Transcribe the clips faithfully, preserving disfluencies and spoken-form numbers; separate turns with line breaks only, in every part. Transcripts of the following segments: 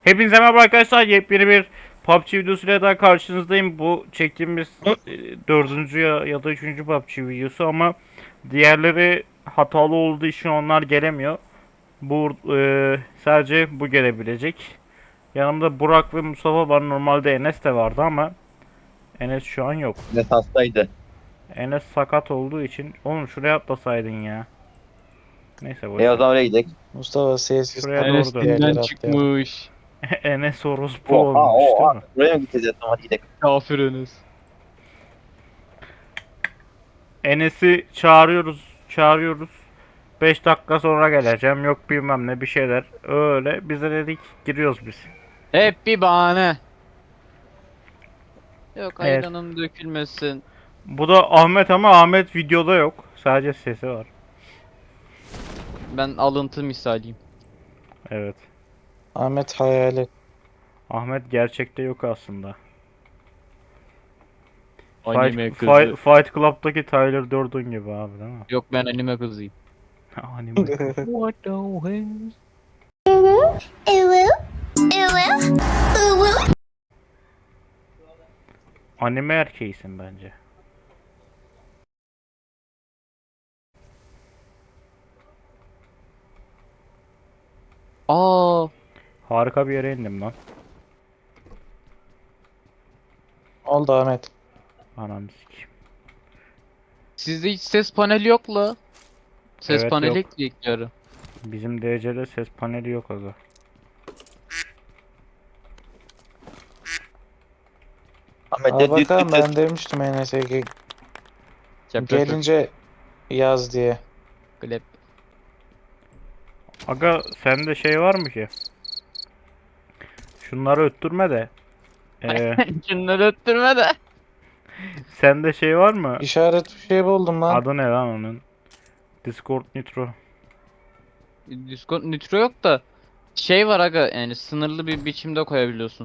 Hepinize merhaba arkadaşlar. Yepyeni bir P U B G videosuyla daha karşınızdayım. Bu çektiğimiz e, dördüncü ya, ya da üçüncü P U B G videosu ama diğerleri hatalı olduğu için onlar gelemiyor. Bu e, sadece bu gelebilecek. Yanımda Burak ve Mustafa var. Normalde Enes de vardı ama Enes şu an yok.
Ne hastaydı.
Enes sakat olduğu için. Oğlum şuraya atlasaydın ya. Neyse
E o
boş ver.
zaman oraya gidelim.
Mustafa sessiz
Şuraya
kalın.
doğru
Bir
dön.
yerlere
Enes'inden
atlayalım.
çıkmış.
Enes orospu
Oha
olmuş değil
oha.
mi?
Buraya mı gideceğiz? Tamam hadi gidelim.
Kafir Enes.
Enes'i çağırıyoruz, çağırıyoruz. beş dakika sonra geleceğim. Yok bilmem ne bir şeyler. Öyle. Biz de dedik giriyoruz biz.
Hep bir bahane. Yok
Evet.
ayranım dökülmesin.
Bu da Ahmet ama Ahmet videoda yok. Sadece sesi var.
Ben alıntı misaliyim.
Evet.
Ahmet hayali.
Ahmet gerçekte yok aslında.
Anime
Fight,
kızı.
Fight, Fight Club'daki Tyler Durden gibi abi değil mi?
Yok ben anime kızıyım.
Anime.
What the hell?
Anime erkeğisin bence.
Aa,
Harika bir yere indim lan.
Oldu Ahmet.
Ananı sikeyim.
sizde hiç ses paneli yok la. Ses
Evet,
paneli
yok.
ekleyecekler.
Bizim D C'de ses paneli yok aga.
Ahmet
Al
de düt
bakalım
düt
ben
düt.
demiştim Enes'e ki
Çap çap çap.
gelince yaz diye.
Klep.
Aga sende şey var mı ki? Şunları öttürme de. Ee,
Şunları öttürme de.
sende şey var mı?
İşaret bir şey buldum lan.
Adı ne lan onun? Discord Nitro.
Discord nitro yok da şey var aga, yani sınırlı bir biçimde koyabiliyorsun.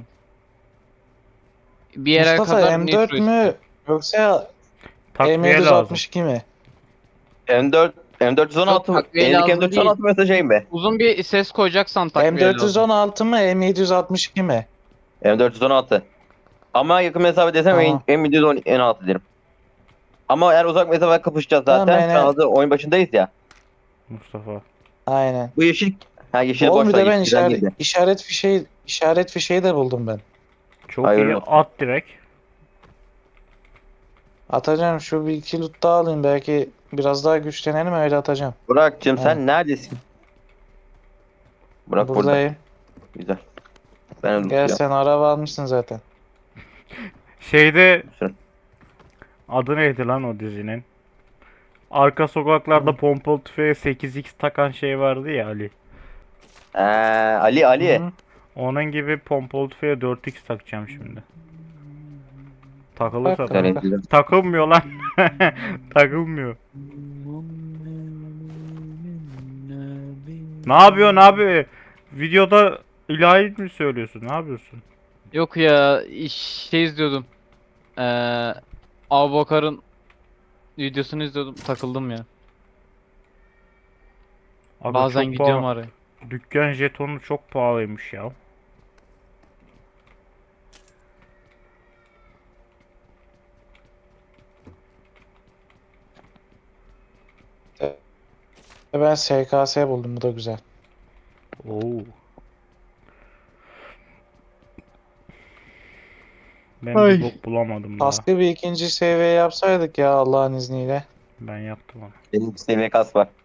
Bir yere
Mustafa
kadar
M
nitro
dört
istiyor.
mü yoksa
Takviye lazım.
M yedi yüz altmış iki mi?
M dört M dört yüz on altı
Yok,
mı?
takviye
Elindeki
lazım
M dört yüz on altı mı şey mi?
Uzun bir ses koyacaksan takviye lazım.
M dört yüz on altı mı M yedi yüz altmış iki mi?
M dört yüz on altı. Ama yakın mesafe desem
Tamam.
M yedi yüz on altı derim. Ama eğer uzak mesafe kapışacağız
Tamam,
zaten. Şu
yani-
an hazır oyun başındayız ya.
Mustafa.
Aynen.
Bu yeşil ha yeşil
Oğlum
boş
bir
ver.
de ben
Yeşilden
işaret,
değildi.
işaret fişeği işaret fişeği de buldum ben.
Çok
Hayırlı
iyi
olsun.
at direkt.
Atacağım şu bir iki loot daha alayım belki biraz daha güçlenelim öyle atacağım.
Burak'cığım
Ha.
sen neredesin? Burak burada.
Buradayım.
Güzel. Ben de
Gel
unutacağım.
sen araba almışsın zaten.
Şeyde
Sür.
adı neydi lan o dizinin? Arka sokaklarda pompalı tüfeğe sekiz x takan şey vardı ya Ali.
Ee, Ali Ali.
Hı.
Onun gibi pompalı tüfeğe dört x takacağım şimdi. Takılırsa
Bak,
da.
bak.
Güzel.
Takılmıyor lan. Takılmıyor. Ne yapıyorsun abi? Videoda ilahi mi söylüyorsun? Ne yapıyorsun?
Yok ya, iş- şey izliyordum. Ee, Abubakar'ın videosunu izliyordum, takıldım ya.
Abi
Bazen
çok
gidiyorum
pahalı.
araya.
Dükkan jetonu çok pahalıymış ya.
Ben S K S buldum bu da güzel.
Oo. Ben
Ay.
bir bok bulamadım daha.
Kaskı bir ikinci seviye yapsaydık ya Allah'ın izniyle.
Ben yaptım onu.
Benim bir seviye kas var.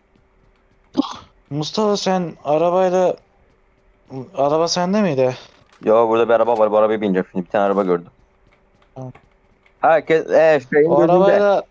Mustafa sen arabayla araba sende miydi?
Yo burada bir araba var. Bu arabaya bineceğim şimdi. Bir tane araba gördüm.
Tamam.
Herkes ee, şeyin
O
gözünde.
arabayla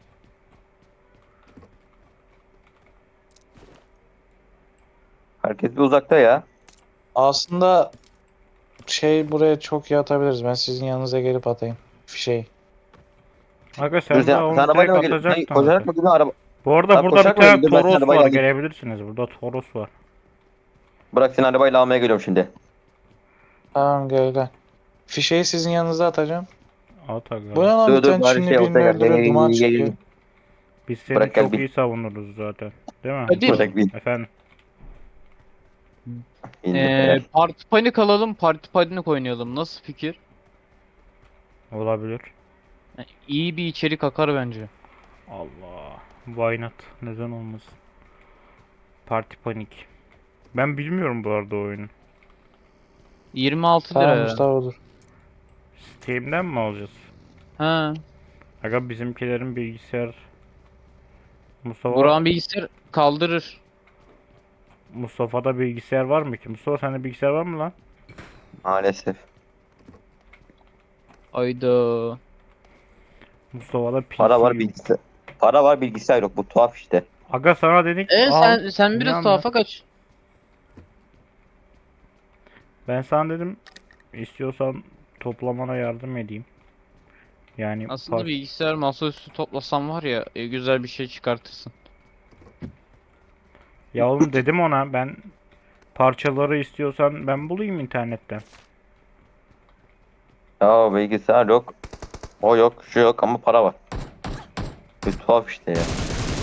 Herkes bir uzakta ya.
aslında şey buraya çok iyi atabiliriz. Ben sizin yanınıza gelip atayım fişeği.
Aga
Dur
sen de
sen, sen
onu direkt
arabayla mı geliyorsun? Sen
atacaktın
koşarak
zaten.
mı gidiyorsun araba?
Bu arada
Sen
burada bir
koşarak mı
tane
gidiyorsun? Ben senin
Toros
arabayla
var.
alayım.
Gelebilirsiniz. Burada Toros var.
Bırak seni arabayla almaya geliyorum şimdi.
Tamam gel gel. Fişeği sizin yanınıza atacağım.
At aga.
Bu ne lan
Dur,
bir
dur,
tane
bari
Çinli
şey
birini
ortaya gel. Gel,
öldürüyor
gel,
duman
gel, gel,
çıkıyor.
gel.
Biz seni
Bırak gel
çok
bir.
iyi savunuruz zaten. Değil mi?
Hadi.
Mustafa?
Bırak bir.
Efendim.
Ee, Parti Panik alalım, Parti Panik oynayalım. Nasıl fikir?
Olabilir.
Yani iyi bir içerik akar bence.
Allah. Why not? Neden olmasın? Parti Panik. Ben bilmiyorum bu arada oyunu.
yirmi altı lira
Tamam
ya.
Mustafa dur.
Steam'den mi alacağız?
Ha.
Aga bizimkilerin bilgisayar Mustafa
Burak'ın bilgisayar kaldırır.
Mustafa'da bilgisayar var mı ki? Mustafa sende bilgisayar var mı lan?
Maalesef.
Ayda.
Mustafa'da P C
Para var
yok.
bilgisayar. Para var bilgisayar yok. Bu tuhaf işte.
Aga sana dedik
E
al.
sen sen
Niye
biraz
almıyorsun?
tuhafa kaç.
Ben sana dedim istiyorsan toplamana yardım edeyim. Yani
Aslında
par-
bilgisayar masaüstü toplasam var ya e, güzel bir şey çıkartırsın.
Ya oğlum dedim ona ben parçaları istiyorsan ben bulayım internetten.
Ya bilgisayar yok. O yok, şu yok ama para var. Bir tuhaf işte ya.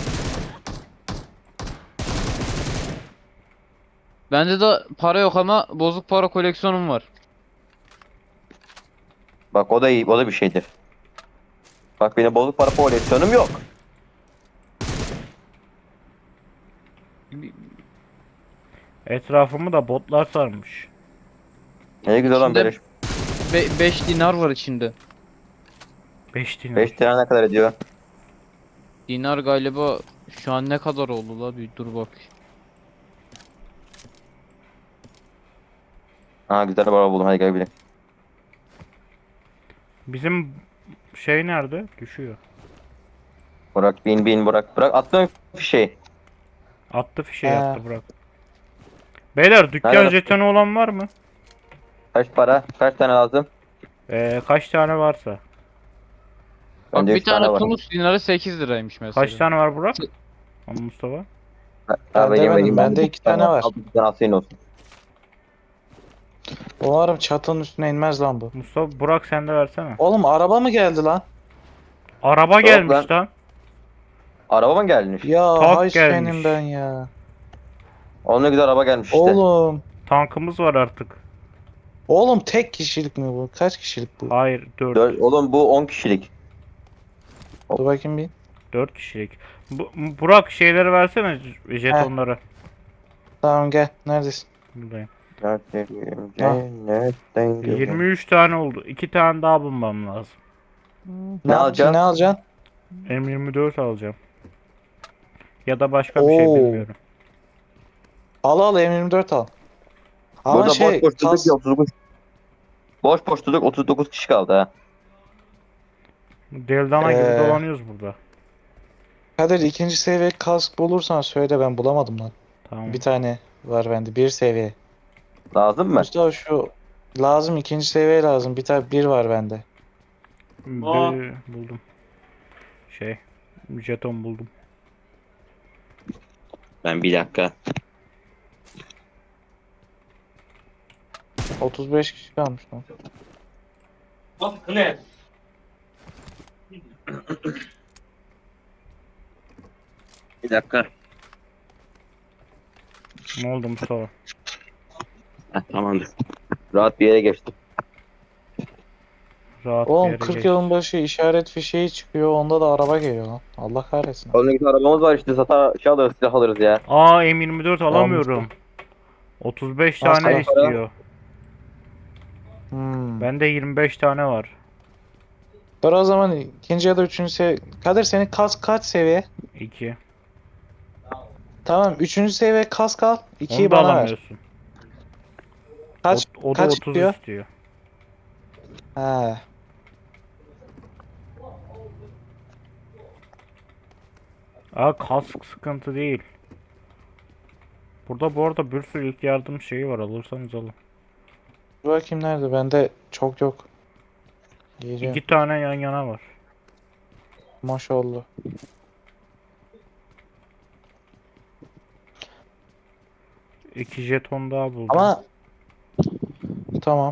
Bende de para yok ama bozuk para koleksiyonum var.
Bak o da iyi, o da bir şeydir. Bak benim bozuk para koleksiyonum yok.
Bir-
Etrafımı da botlar sarmış.
Ne güzel olan
İçinde
böyle.
beş dinar var içinde.
beş dinar.
beş lira ne kadar ediyor?
Dinar galiba şu an ne kadar oldu la bir dur bak.
Ha güzel para buldum, hadi gel binelim.
Bizim şey nerede? Düşüyor.
Burak bin bin Burak. Burak attın fişeği.
Attı fişeği
He.
attı bırak. Beyler dükkan
Nerede?
jetonu olan var mı?
Kaç para? Kaç tane lazım?
Ee, kaç tane varsa.
Bak
Bende
bir
üç tane
tane
var.
Tunus dinarı sekiz liraymış mesela.
Kaç tane var Burak? Ama Mustafa.
Ha,
Ben
vereyim,
demedim,
vereyim.
bende
bir
iki tane var.
Al bir tane senin olsun.
Umarım çatının üstüne inmez lan bu.
Mustafa Burak sen de versene.
Oğlum araba mı geldi lan?
Araba
Yok
gelmiş
lan.
lan.
Araba mı gelmiş?
Ya
Tak
hay
gelmiş.
senin ben ya.
Oğlum ne güzel araba gelmiş işte.
Oğlum.
Tankımız var artık.
Oğlum tek kişilik mi bu? Kaç kişilik bu?
Hayır dört.
Dört- oğlum bu on kişilik.
Dur bakayım bir.
dört kişilik. Bu, Burak şeyleri versene j- jetonları.
Tamam gel. Neredesin?
Buradayım.
Dertlerim
Ha.
cennetten gelen.
yirmi üç tane oldu. iki tane daha bulmam lazım.
Ne,
alacaksın?
Ne alacaksın?
M yirmi dört alacağım. Ya da başka bir şey
Oo.
bilmiyorum.
Al al M yirmi dört al. Ama
Burada
şey
boş boş durduk
kas...
ya otuz dokuz. Boş boş durduk otuz dokuz kişi kaldı ha.
Deldana gibi
Ee.
dolanıyoruz burada.
Kadir ikinci seviye kask bulursan söyle, ben bulamadım lan.
Tamam.
Bir tane var bende, bir seviye.
Lazım mı?
Mustafa şu lazım, ikinci seviye lazım. Bir tane bir var bende.
Bir, buldum. Şey, jeton buldum.
Ben bir dakika.
otuz beş kişi kalmış lan.
Bir dakika.
Ne oldu Mustafa?
Heh, tamamdır. Rahat bir yere geçtim.
Rahat bir
Oğlum
yere
kırk
geç.
yılın başı işaret fişeği çıkıyor. Onda da araba geliyor lan. Allah kahretsin.
Oğlum ne güzel arabamız var işte, satar şey alırız, silah alırız ya.
Aa M yirmi dört alamıyorum. otuz beş
Nasıl
tane
ya?
istiyor.
Hmm.
Bende yirmi beş tane var.
Dur o zaman ikinci ya da üçüncü seviye. Kadir senin kask kaç seviye?
iki.
Tamam, üçüncü seviye kask al. ikiyi
Onu da
bana ver.
alamıyorsun.
Kaç
O, o da
kaç
otuz
diyor?
istiyor.
He.
Aa kask sıkıntı değil. Burada bu arada bir sürü ilk yardım şeyi var, alırsanız alın.
Dur bakayım nerede? Bende çok yok. Giyeceğim.
İki tane yan yana var.
Maşallah.
İki jeton daha buldum.
Ama tamam.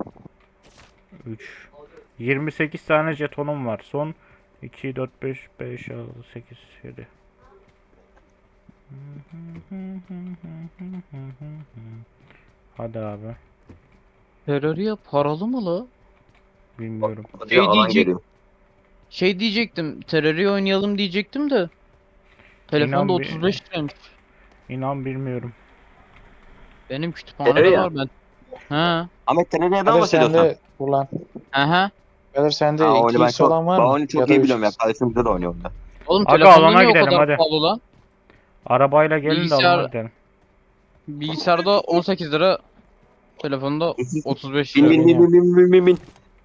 üç. yirmi sekiz tane jetonum var. Son iki, dört, beş, beş, altı, sekiz, yedi. Hadi abi.
Terraria paralı mı la?
Bilmiyorum.
Hadi
Şey
alan
diyecek-
geliyor.
Şey diyecektim. Terraria oynayalım diyecektim de. Telefonda
İnan bir-
otuz beş liraymış.
İnan bilmiyorum.
Benim kütüphanede
Terraria.
var ben. Ha.
Ahmet sen neden
Kadir
bahsediyorsun?
sende kullan.
Aha.
Kadir sende
Ha oyunu ben
iki x
çok,
olan var
ben
mı?
oyunu çok
Ya da
iyi
üç
biliyorum ya.
x.
Kardeşim bize de oynuyor onda.
Oğlum
Aga,
telefonda
alana
niye o
gidelim,
kadar
hadi.
pahalı lan?
Arabayla gelin de alana
Bilgisayar-
gidelim.
Bilgisayarda on sekiz lira. Telefonda otuz beş
Bin
lira.
bin bin bin bin bin bin bin.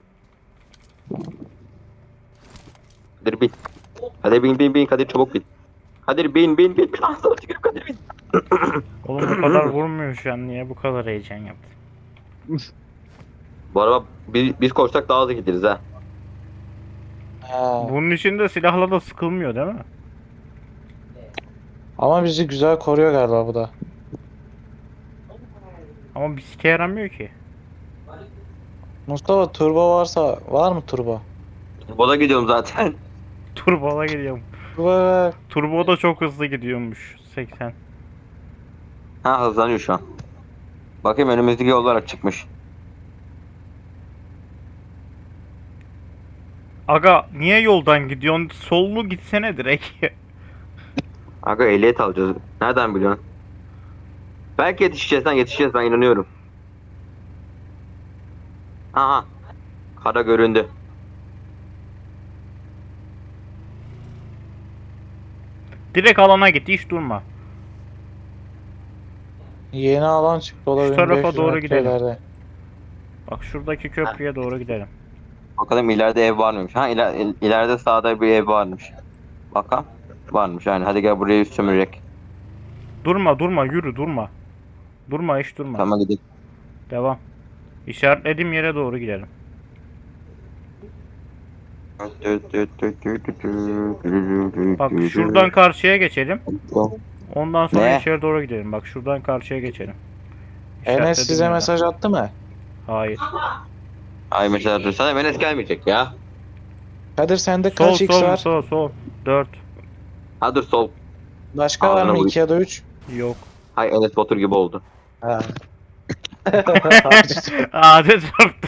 Kadir bin. Kadir bin bin bin. Kadir çabuk bin. Kadir bin bin bin. bin. Asla çıkıp Kadir bin.
Oğlum bu kadar vurmuyor şu an. Niye bu kadar heyecan yaptın?
Bu araba biz, biz koşsak daha hızlı gideriz ha.
Ha.
Bunun içinde silahla da sıkılmıyor değil mi?
Ama bizi güzel koruyor galiba bu da.
Ama bir sike yaramıyor ki.
Mustafa turbo varsa var mı turbo?
Bola gidiyorum zaten.
Turbo'da gidiyorum.
Turbo ver.
Turbo da çok hızlı gidiyormuş. seksen.
Ha hızlanıyor şu an. Bakayım önümüzdeki yol olarak çıkmış.
Aga niye yoldan gidiyorsun? Sollu gitsene direkt.
Aga ehliyet alacağız. Nereden biliyorsun? Belki yetişeceğiz lan yetişeceğiz ben inanıyorum. Aha. Kara göründü.
Direkt alana git, hiç durma.
Yeni alan çıktı o da
Şu tarafa
bin beş yüz
doğru
metre
gidelim.
ileride.
Bak şuradaki köprüye doğru gidelim.
Bakalım ileride ev var mıymış? Ha iler, il- ileride sağda bir ev varmış. Bakalım. Varmış yani. Hadi gel buraya sömürerek.
Durma durma, yürü, durma. Durma, hiç durma.
Tamam gidelim.
Devam. İşaretlediğim yere doğru gidelim. Bak şuradan karşıya geçelim. Ondan sonra
Ne?
içeri doğru gidelim. Bak şuradan karşıya geçelim.
Enes
İşaretlediğim
size
yerden.
mesaj attı mı?
Hayır.
Ay mesela dur sana Enes gelmeyecek ya.
Kadir sende
Sol
kaç x
sol
var?
sol sol. dört.
Ha dur sol.
Başka var
Ağzına
mı
vurayım.
iki ya da üç?
Yok.
Hay Enes Batur gibi oldu.
Ha.
Adet çarptı.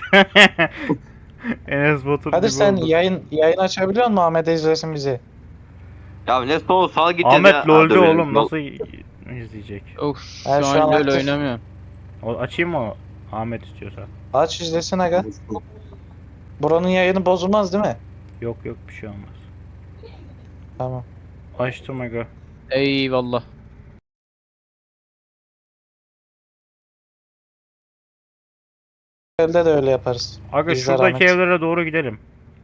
Enes Batur
Kadir
gibi
sen
oldu.
yayın yayın açabiliyor musun Ahmet izlesin bizi?
Ya ne sol sağ gideceğiz
Ahmet
ya.
LoL'de
Ha, dur,
oğlum,
yol-
nasıl izleyecek?
Of
Ben
şu
şu
an
an
LoL
aktif-
oynamıyorum.
O, açayım mı Ahmet istiyorsa?
Aç izlesin aga. Buranın yayını bozulmaz değil mi?
Yok yok, bir şey olmaz.
Tamam.
Açtım aga.
Eyvallah.
Elde de öyle yaparız.
Aga
İzler
şuradaki
Ahmet.
evlere doğru gidelim.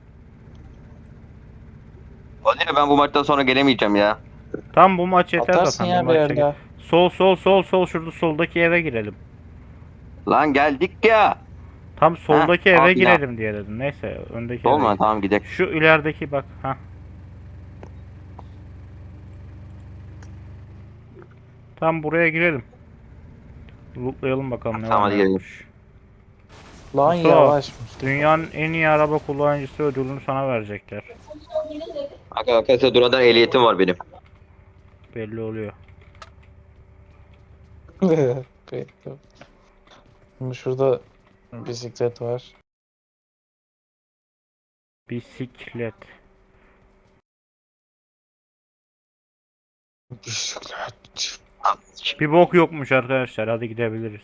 Hadi ben bu maçtan sonra gelemeyeceğim ya.
Tam bu maç yeter
Atarsın
zaten.
ya
Bir
bir
maç çek-
elde.
Sol sol sol sol, şurada soldaki eve girelim.
Lan geldik ya.
Tam soldaki eve
abi ya.
girelim diye dedim. Neyse öndeki eve.
Olma tamam gidelim.
Şu ilerideki bak. Ha. Tam buraya girelim. Lootlayalım bakalım ne
Tamam,
var
hadi
ne
girelim.
yokmuş.
Lan
Mustafa,
yavaş.
Dünyanın en iyi araba kullanıcısı ödülünü sana verecekler.
Arkadaşlar durada ehliyetim var benim.
Belli oluyor.
Peki. Şimdi şurada bisiklet var.
Bisiklet.
Bisiklet.
Bir bok yokmuş arkadaşlar. Hadi gidebiliriz.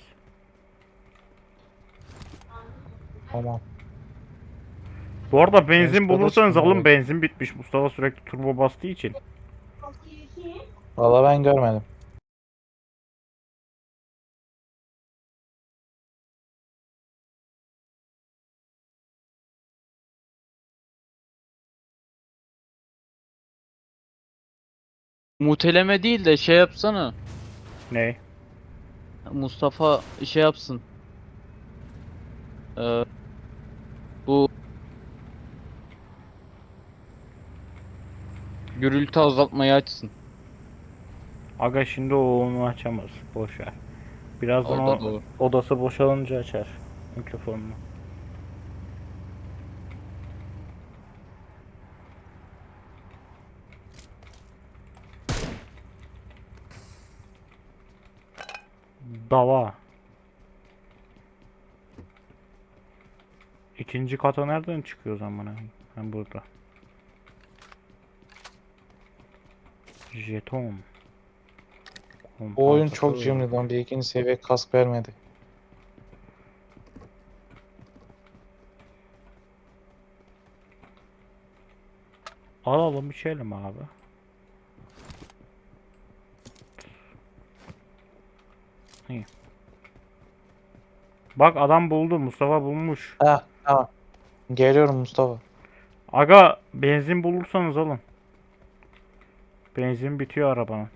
Tamam.
Bu arada benzin
Mustafa'da
bulursanız
şimdi
alın,
bak.
benzin bitmiş. Mustafa sürekli turbo bastığı için.
Valla ben görmedim.
Muteleme değil de şey yapsana.
Ne?
Mustafa şey yapsın. Ee, bu gürültü azaltmayı açsın.
Aga şimdi o onu açamaz. Boş ver. Birazdan
O da
o
doğru.
odası boşalınca açar mikrofonunu. Dava. İkinci kata nereden çıkıyor o zaman? Ben burada. Jeton.
Bu oyun çok
Kompansatör.
cimri lan. Bir ikinci seviye kask vermedi.
Alalım içelim abi. İyi. Bak adam buldu. Mustafa bulmuş.
Ha tamam. Geliyorum Mustafa.
Aga benzin bulursanız alın. Benzin bitiyor arabanın.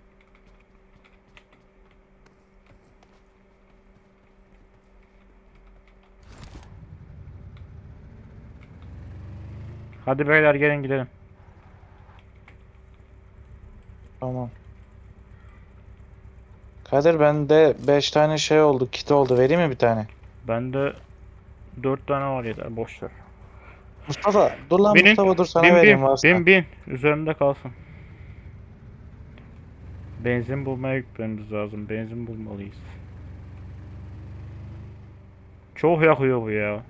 Hadi beyler gelin gidelim.
Tamam. Kadir bende beş tane şey oldu. Kit oldu. Vereyim mi bir tane?
Bende dört tane var yeter boş ver.
Mustafa dur lan
Binin,
Mustafa dur sana
bin
vereyim
bin
varsa.
bin bin üzerimde kalsın. Benzin bulmaya gitmemiz lazım. Benzin bulmalıyız. Çok yakıyor bu ya.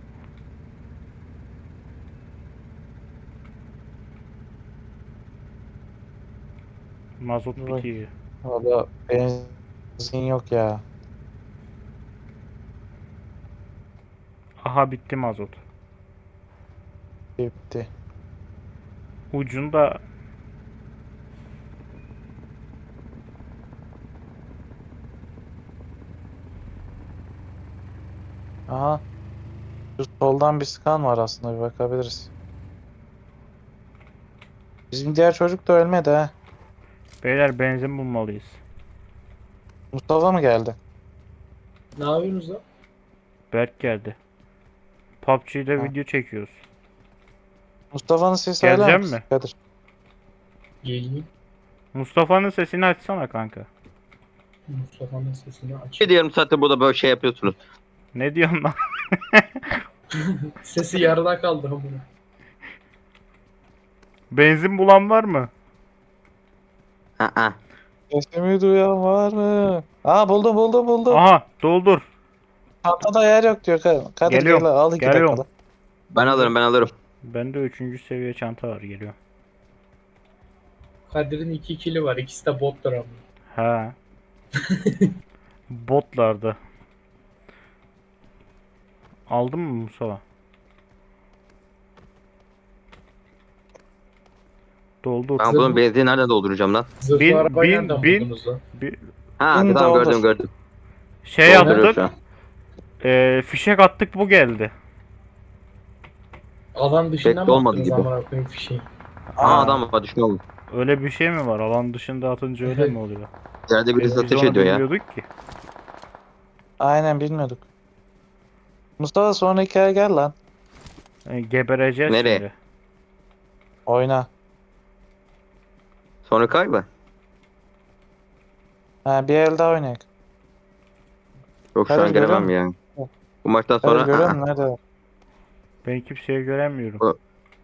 Mazot
Vay.
bitiyor.
Valla benzin yok ya.
Aha bitti mazot.
Bitti.
Ucunda
Aha. Şu soldan bir skan var aslında bir bakabiliriz. Bizim diğer çocuk da ölmedi ha.
beyler benzin bulmalıyız.
Mustafa mı geldi?
Ne yapıyorsunuz lan?
Berk geldi. P U B G'de
Ha.
video çekiyoruz.
Mustafa'nın sesi
Gelecek
hala
mi?
Kadir.
Geleyim.
Mustafa'nın sesini açsana kanka.
Mustafa'nın sesini aç.
Ne diyorum zaten burada böyle şey yapıyorsunuz.
Ne diyorsun lan?
Sesi yarıda kaldı ama.
Benzin bulan var mı?
Aa.
Sesimi duyan var mı? Aa buldum buldum buldum.
Aha doldur.
Çantada yer yok diyor. Kadir Kadir
Geliyorum,
gel al iki
geliyorum.
dakikada.
Ben alırım ben alırım.
Bende üçüncü seviye çanta var geliyor.
Kadir'in iki kili var. İkisi de botlar ama.
Ha. Botlarda. Aldın mı Musa? Doldur.
Ben bunun benzini nereden dolduracağım lan?
Zırhlı
Bin-
arabayı
bin-
nereden
bin-
buldunuz lan?
Bir
Ha
Bin
tamam
doldur.
gördüm gördüm.
şey
Dolduruyorum
yaptık.
şu an.
E, fişek attık bu geldi.
Alan dışından
Pek
mı
olmadı
attınız
gibi.
amına koyayım fişeği?
Aa adam var düşman oldu.
Öyle bir şey mi var? Alan dışında atınca öyle mi oluyor?
İçeride
Biz,
birisi
biz
ateş
onu
ediyor ya.
bilmiyorduk ki.
Aynen bilmiyorduk. Mustafa sonra hikaye gel lan.
E, gebereceğiz
Nereye?
şimdi.
Oyna.
Sonra kaybı.
Ha bir el daha oynayalım.
Yok şu
Kadir,
an gelemem
görüyor
ya.
musun?
Bu maçtan
Kadir
sonra
görüyor
aa,
musun nerede?
Ben kimseyi göremiyorum.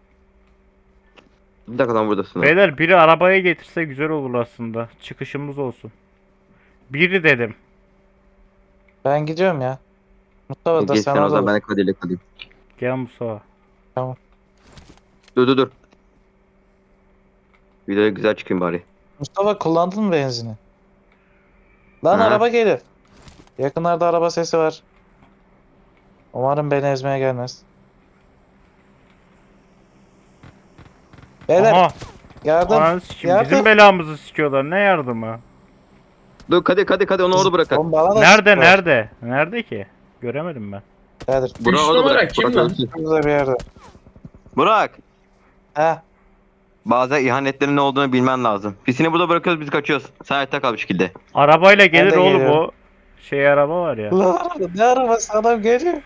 bir dakika lan buradasın.
Beyler biri arabaya getirse güzel olur aslında. Çıkışımız olsun. Biri dedim.
Ben gidiyorum ya. Mustafa da
Geç
sen
sen o
orada
zaman
dur.
ben de Kadir'le kalayım.
Gel Musa.
Dur dur dur. Videoya güzel çıkayım bari.
Mustafa kullandın mı benzini? Lan
Hı.
araba gelir. Yakınlarda araba sesi var. Umarım beni ezmeye gelmez. Beyler
Aha.
yardım.
Ananı sikeyim.
yardım.
Bizim belamızı sikiyorlar. Ne yardımı?
Dur Kadir Kadir Kadir onu orada bırakın.
Oğlum bana da
Nerede
sıkıyor.
nerede? Nerede ki? Göremedim ben.
Kadir.
Burak
Üç
orada
numara
bırak.
kim
Burak
lan?
ölsün.
Burada bir yerde.
Burak.
Ha.
Bazen ihanetlerin ne olduğunu bilmen lazım. Pisini burada bırakıyoruz biz kaçıyoruz. Sen hayatta kal bir şekilde.
Arabayla gelir
de
oğlum
geliyorum.
o. Şey araba var ya.
Lan araba, ne arabası adam geliyor.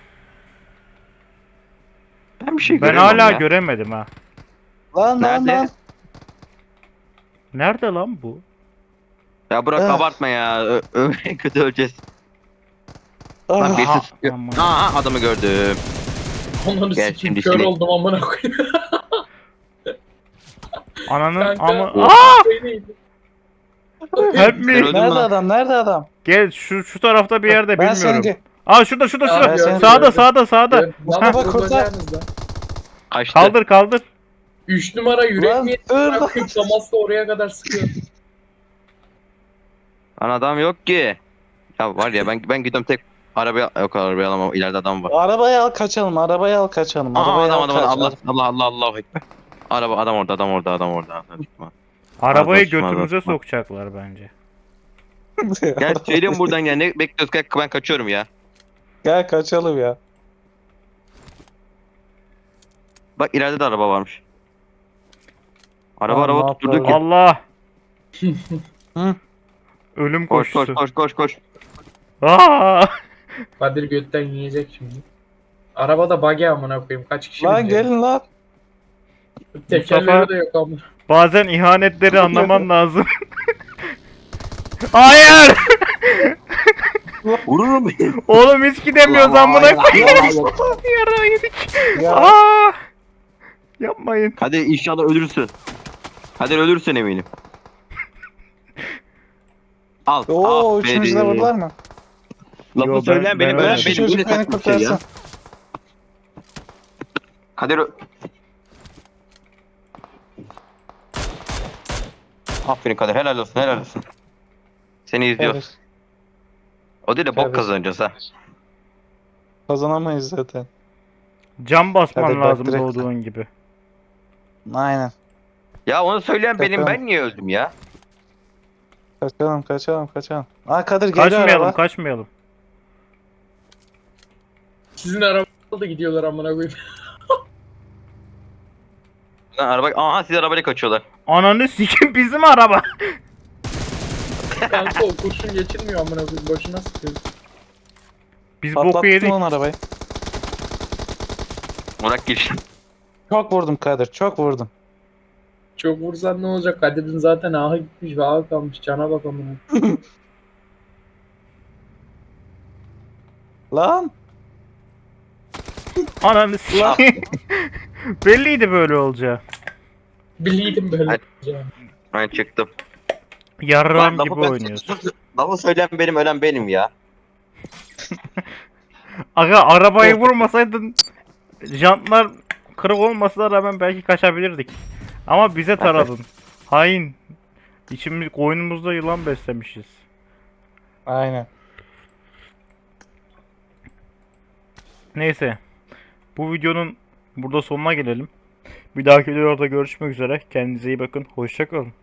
Ben bir şey
Ben
göremiyorum
hala
ya.
göremedim ha.
Lan lan
Nerede?
lan.
Nerede lan bu?
Ya Burak
Ah.
abartma ya. Ö- ö- kötü öleceğiz. Lan
Ah.
birisi sıkıyor.
aman.
Aha adamı gördüm.
Onları
Gel
sikeyim
şimdi
kör
seni.
oldum amına koyayım.
Ananın
Kanka.
ama...
Oh.
Aa!
Şey neydi?
Help
Sen
me!
öldün mü
Nerede
lan?
adam? Nerede adam?
Gel şu şu tarafta bir yerde
Ben seni
bilmiyorum.
ge-
Aa şurada şurada
Abi,
şurada.
ben seni
Sağda
gördüm.
sağda sağda.
Lan
Bak, bak,
vuracağınız lan.
Kaçtı.
Kaldır kaldır.
Üç numara yürek
Lan,
mi?
dur lan.
Bakayım Thomas da oraya kadar sıkıyor.
Lan adam yok ki. Ya var ya ben ben gidiyorum tek arabaya yok arabaya alamam. İleride adam var.
Arabayı al kaçalım. Arabayı al kaçalım.
Aa,
Arabayı
adam
al
adam
kaç.
Allah Allah Allah Allahu ekber. Araba adam orada adam orada adam orada. Adam çıkma.
Arabayı
Ağzına sıçma,
götümüze
ağzına sıçma.
sokacaklar bence.
Gel söyleyeyim buradan ya ne bekliyoruz gel ben kaçıyorum ya.
Gel kaçalım ya.
Bak ileride de araba varmış. Araba
Lan, ne
araba tutturduk ya.
yapalım?
Allah.
Hı?
Ölüm
Koş koş
koşusu.
koş koş koş.
Aa!
Kadir götten yiyecek şimdi. Arabada buggy amına koyayım. Kaç kişi
Lan
binecek?
gelin lan.
Tekerleri
Mustafa-
de yok amına.
Bazen ihanetleri anlaman lazım. Hayır!
Vururum beni.
Oğlum hiç gidemiyoruz amına koyayım. Yara yedik.
Ya.
Aa! Yapmayın.
Hadi inşallah ölürsün. Hadi ölürsün eminim. Al.
Oo
aferin.
üçümüzü de vurdular mı?
Lafı
Yo, ben-
söyleyen benim
ben
ölen
öyle-
Şu
benim.
çocuk
Bu ne
beni
saçma bir şey ya.
kurtarsın.
Kadir ö- Aferin Kadir helal olsun helal olsun. Seni izliyor.
Evet.
O değil de bok
Evet.
kazanacağız ha.
Kazanamayız zaten.
Cam basman
Hadi bak,
lazım
direkt-
doğduğun gibi.
Aynen.
Ya onu söyleyen benim
Bakalım.
ben niye öldüm ya?
Kaçalım kaçalım kaçalım. Aa Kadir geliyor
Kaçmayalım
araba.
kaçmayalım.
Sizin araba da gidiyorlar amına koyayım.
Lan araba aha siz arabayla kaçıyorlar.
Ananı sikim bizim araba.
Kanka o kurşun geçirmiyor amına koyayım. Boşuna sıkıyor.
Biz boku
Patlattım
yedik.
lan arabayı.
Murat gir.
Çok vurdum Kadir çok vurdum.
Çok vursan ne olacak? Kadir'in zaten ahı gitmiş ve ahı kalmış. Cana bak amına.
Lan.
Ananı sikim. Belliydi böyle olacağı.
Biliydim böyle
Hadi.
olacağını.
Ben çıktım.
Yarram
Lan
gibi
lafı ben-
oynuyorsun.
Lafı söyleyen benim ölen benim ya.
Aga arabayı vurmasaydın jantlar kırık olmasına rağmen belki kaçabilirdik. Ama bize taradın. Hain. İçimiz koynumuzda yılan beslemişiz.
Aynen.
Neyse. Bu videonun burada sonuna gelelim. Bir dahaki videoda görüşmek üzere. Kendinize iyi bakın. Hoşça kalın.